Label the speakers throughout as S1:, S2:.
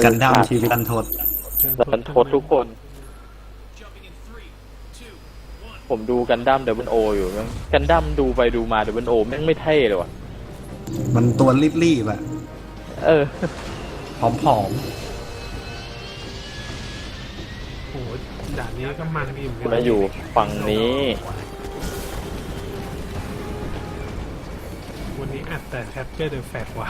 S1: กันดั้มชีวิตรันทด
S2: รันทดทุกคน ผมดูกันดั้มWOอยู่กันดั้มดูไปดูมาWOแม่งไม่เท่เลยว่ะ
S1: มันตัวรีบๆอะ
S2: เออ
S1: ผอม
S3: โอ้โหด่านนี้ก็มันดีเหมือนกั
S2: มาอยู่ฝั่งนี้
S3: วันนี้อัดแต่ Capture the Flag ว่ะ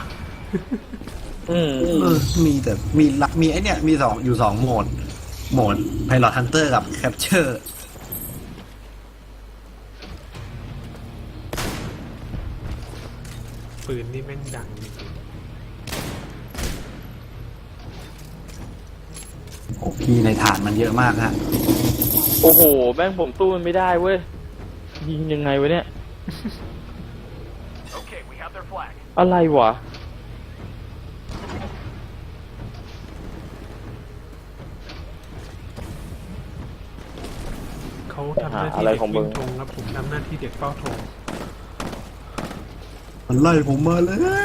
S1: มีไอเนี่ยมีอยู่สองโหมด Pilot Hunter กับ Capture
S3: ปืนนี่แม่งดังจริง
S1: โอ้พี่ในฐานมันเยอะมากฮะ
S2: โอ้โหแม่งผมสู้มันไม่ได้เว้ยยิงยังไงวะเนี่ย อะไรวะ
S3: เขาทำหน้าที่
S2: อะไร
S3: เด็ก
S2: ของมึ
S3: วิ่
S2: ง
S3: งธงครับผมทำหน้าที่เด็กเฝ้าธง
S1: มันไล่ผมมาแล้ว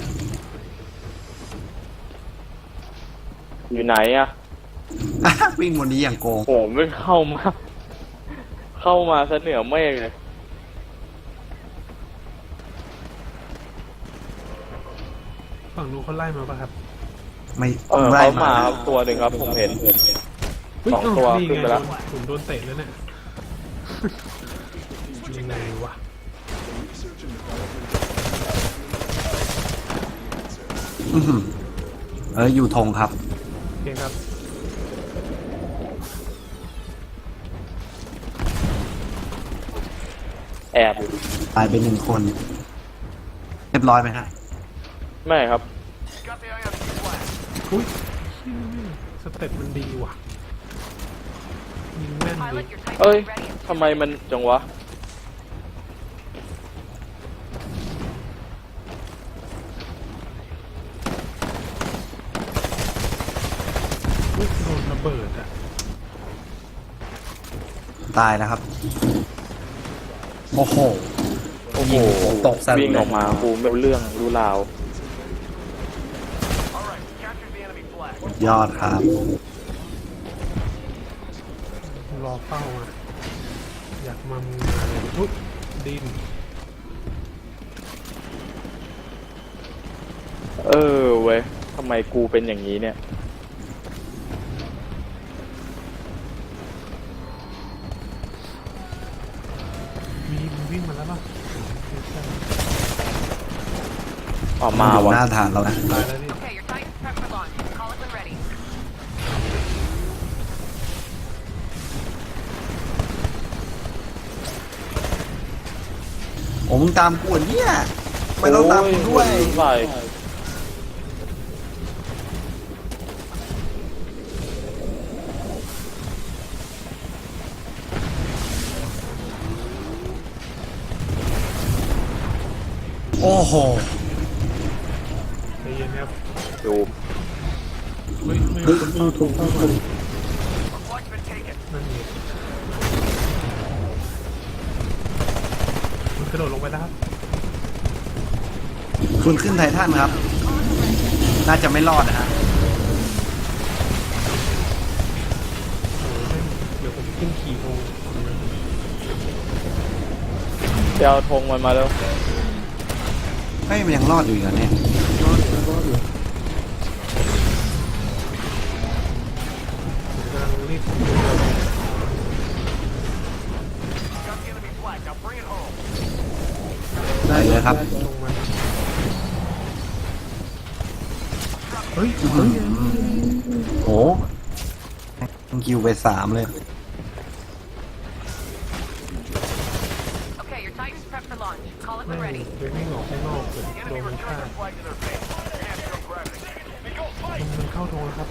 S2: อยู่ไหนอะ
S1: วิ่งบนนี้อย่างโกง
S2: โอ้โหไม่เข้ามาซะเหนือเมฆเลย
S3: ฝั่งนู้นเขาไล่มาป่ะครับ
S1: ไม่
S2: เขา
S1: ไล่
S2: มาครับตัวหนึ่งครับผมเห็น
S3: เฮ้ย
S2: สองตัว
S3: นี่
S2: ขึ้น
S3: ไง
S2: ไปแล้ว
S3: ผมโดนเตะแล้วเนี่ย ยังไงวะ
S1: อื้อหืออยู่ธงครับ
S3: โอเคครับ
S2: แอบอยู่
S1: ตายไปหนึ่งคน เรียบร้อยไหมฮะ
S2: ไม่ครับ
S3: อุ้ยสเต็ปมันดีว่ะ ยิงแม่นดี
S2: เอ้ยทำไมมันจังวะ
S3: อุ๊ยโดนระเบิดอ่ะ
S1: ตายแล้วครับ โอ้โห
S2: โอ้โห
S1: ตกซะ
S2: วิ่งออกมากูไม่รู้เรื่องรู้ราว
S1: ยอดครับ
S3: รอเฝ้าอ่ะ อยากมาเลยอุ๊ยดิน
S2: เออเว้ยทำไมกูเป็นอย่างนี้เนี่ย
S3: มันวิ่งมาแล้วป่ะ
S2: ออกมา
S1: อยู่
S2: วะ
S1: หน้าฐานเรานะ
S3: ตายแล้วนี่
S4: Okay, your Titan's prepped for launch. Call it when ready.
S1: โอ้มึงตามกูเหรอเนี่ยไม่ต้องตามกูด้วย
S2: โอ้ใส่
S1: โอ้โห
S3: ใจเย็นครับ
S2: ดู
S3: เฮ้ยไม่มีคนเฝ้าธงเข้ามานั่นไงมันกระโดดลงไปแล้วครับ
S1: คุณขึ้นไททันครับ น่าจะไม่รอดนะฮะ
S3: โอ้ยเดี๋ยวผมขึ้นขี่ธง
S2: เดี๋ยวเอาธงมันมาแล้ว
S1: เฮ้ยมันยังรอดอยู่อีกเหรอเนี่ย
S3: ผมกำลังรีบ
S1: ได้เลยครับ
S3: ลงมาเฮ้ย
S1: โอ้คิวไป3เลย
S4: Okay, your Titan's prepped for launch. Call it
S3: แม่
S4: when
S3: ง
S4: ready.
S3: ไปวิ่งออกข้างนอกเลยโดนมันฆ่ามันเข้าธงแล้วครับ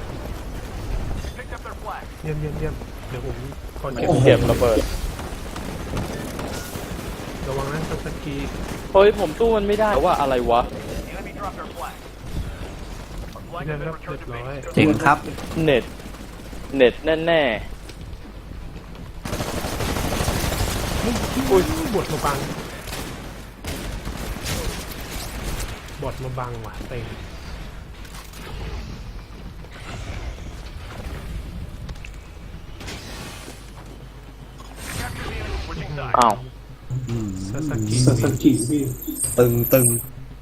S3: เยี่ยมเดี๋ยวผมขอเก็บ
S2: เก็บระเบิด
S3: ระวังนะสกี
S2: เฮ้ยผมสู้มันไม่ได้ว่าอะไรวะ
S3: เยี่ยมครับเรียบร้อย
S1: เจ๋งครับ
S2: เน็ตแน่
S3: อุ้ยบทมาบังบทมาบังว่ะเต็ง
S2: อ้าว
S1: อืม
S3: ซาสกิ
S5: ซาสกิพี่
S1: ตึง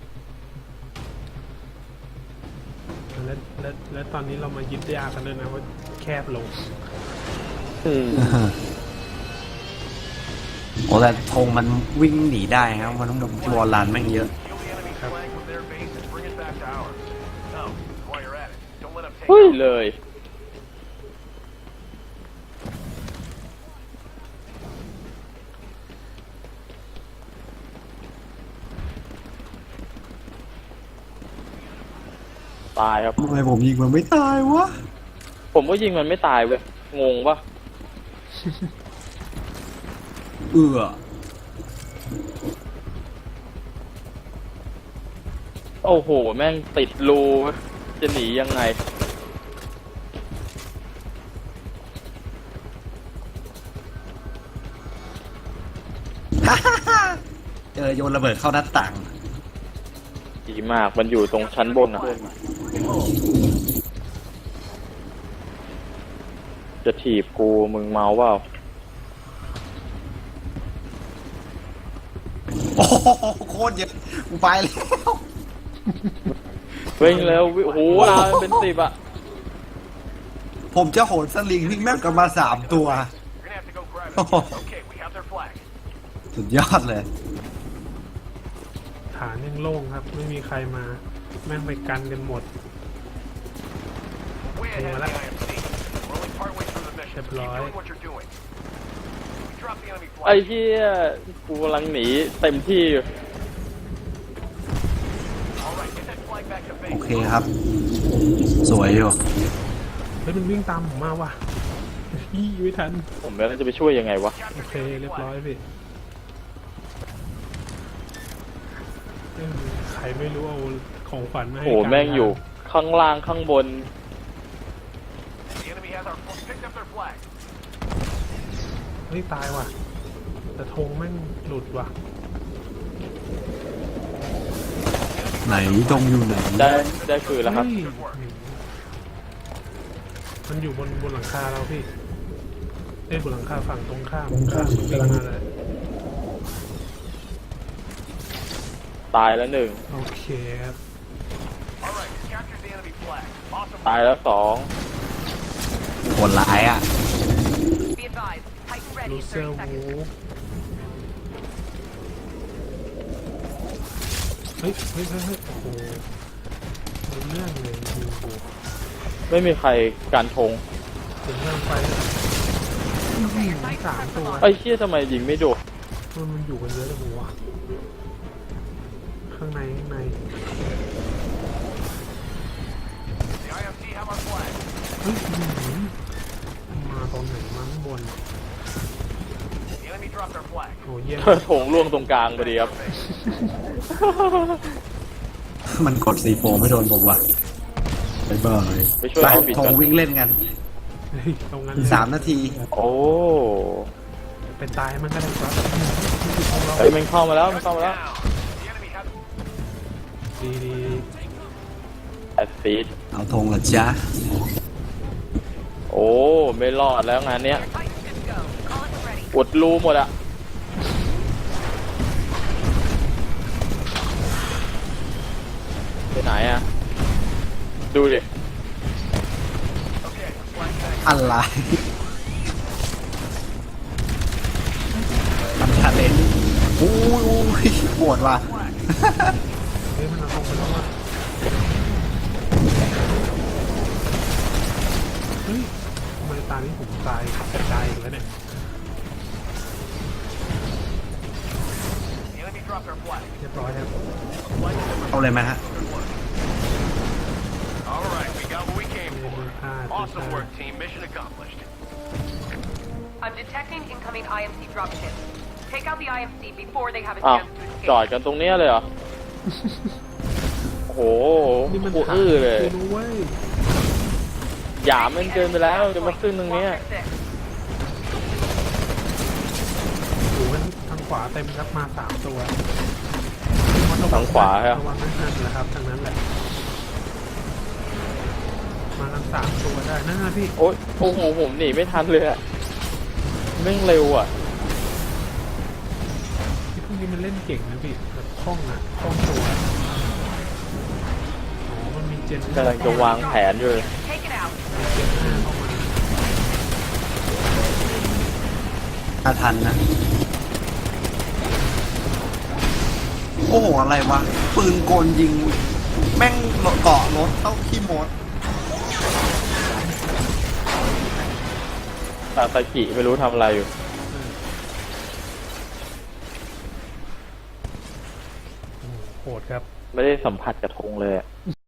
S3: และตอนนี้เรามายึดยากันด้วยนะว่าแคบลง
S2: อืม
S1: โอ้แต่ธงมันวิ่งหนีได้ครับมันต้องวอลลันแม่งเยอะ
S2: เฮ้ยเลย ตายครับ
S1: ทำไมผมยิงมันไม่ตายวะ
S2: ผมก็ยิงมันไม่ตายเว้ย งงปะ
S1: เอื้อ
S2: โอ้โห แม่งติดรูจะหนียังไง
S1: เจอโยนระเบิดเข้าหน้าต่าง
S2: ดีมาก มันอยู่ตรงชั้นบนอ่ะ จะถีบกูมึงเมาเปล่า
S1: โอ้โหโคตรเยอะกูไปแล้ว
S2: เร่งเร็วโอ้โหลาเป็น10อ่ะ
S1: ผมจะโหนสลิงวิ่งแม่งกันมา3 ตัว โอ้โหสุดยอดเลย
S3: ฐานยังโล่งครับ ไม่มีใครมา แม่งไปกันกันหมดลงมาแล้วเรียบร้อย
S2: ไอ้เหี้ยกูกำลังหนีเต็มที่อยู่
S1: โอเคครับ สวยอยู่
S3: เฮ้ยมันวิ่งตามผมมาว่ะยี่ไม่ทัน
S2: ผมแล้วจะไปช่วยยังไงวะ
S3: โอเคเรียบร้อยพี่เอ้ยใครไม่รู้เอาของขวัญมาให้
S2: โอ้โห
S3: กัน
S2: แม่งอยู่ข้างล่างข้างบน
S3: เฮ้ยตายว่ะ แต่ธงแม่งหลุดว่ะ
S1: ไหนตรงอยู่ไหน
S2: ได้คืนแล้วครับ
S3: เฮ้ยมันอยู่บนหลังคาเราพี่บนหลังคาฝั่งตรงข้ามวิ่งมาเลย
S2: ตายแล้วหนึ่ง
S3: โอเคครับ
S2: ตายแล้ว2
S1: โหดร้ายอ่ะ
S4: Be advised. Titan ready
S3: ลู
S4: in
S3: เซอร์
S4: 30
S3: วู
S4: seconds.
S3: เฮ้ยโอ้โหรู้เรื่องเลยยิงกู
S2: ไม่มีใครการทง
S3: ถึงเรื่องไฟสามตัว
S2: ไอ้เชี่ยทำไมยิงไม่โดน
S3: มันอยู่กันเยอะเลยหัวะข้างในเฮ้ยมาตอนไหนมาข้างบนโอ้เยี่ยม
S2: โถงล่วงตรงกลางพอดีครับ
S1: มันกดC4ไม่โดนผมว่ะบ๊ายบาย
S2: ไปช่วยเอาบิด
S1: ธ
S2: ก่
S1: ง
S2: อน
S1: วิ่งเล่นกัน
S3: เฮ้ยตรงนั้น
S1: อีก3 นาที
S2: โอ้
S3: เป็นตายมันก็ได้ครับ
S2: เฮ้ยมันเข้ามาแล้วมันเข้ามาแล้ว
S3: ดี
S2: แอดซีด
S1: เอาธงเหรอจ๊ะ
S2: โอ้ไม่รอดแล้วงานเนี้ย
S4: Titan good to go. Call it when ready.
S2: อุดรูหมดอะไปไหนอะดูดิ
S1: อะไรทำชาเลนจ์อู้ยโหดว่ะ
S3: เฮ้ยมันเอาตรงไปแล้วว่ะเฮ้ยทำไมตานี้ผมตายกระจายอีกแล้วเนี่ย เรียบร้อยครับ
S1: เอาเลยไหมฮะ
S6: Awesome work, team. Mission accomplished.
S4: I'm detecting incoming IMC dropship. Take out the IMC before they have a
S2: อ้าว
S4: chance to
S2: จอด
S4: escape.
S2: กันตรงเนี้ยเลยเหรอ โอ้โห
S3: นี่มัน
S2: กู
S3: ฐาน
S2: อื้อเลย
S3: กูรู้เว้ย
S2: หยามมันเกินไปแล้วจะมาขึ้นตรงเนี้ย
S4: Walker 6.
S3: โอ้โหทางขวาเต็มครับมา3 ตัว
S2: ทางขวาครับ
S3: ระวังนั่นแหละครับทางนั้นแหละ มากัน3 ตัวได้นั่นนะพี่
S2: โอ้ยโอ้โหผมหนีไม่ทันเลยอะแม่งเร็วอะ
S3: นี้มันเล่นเก่งนะพี่แบบคล่องอ่ะคล่องตัวอ๋อมันมีเจน
S2: กำลังจะวางแผนอยู่เลย
S4: Take it out.
S3: มีเจน5เข้ามา
S1: ถ้าทันนะ โอ้โห อะไรวะ ปืนกลยิง แม่งเกาะรถเข้าขี้มด
S2: ตาตากิไม่รู้ทำอะไรอยู่
S3: โหโหดครับ
S2: ไม่ได้สัมผัสกระทงเลยอะ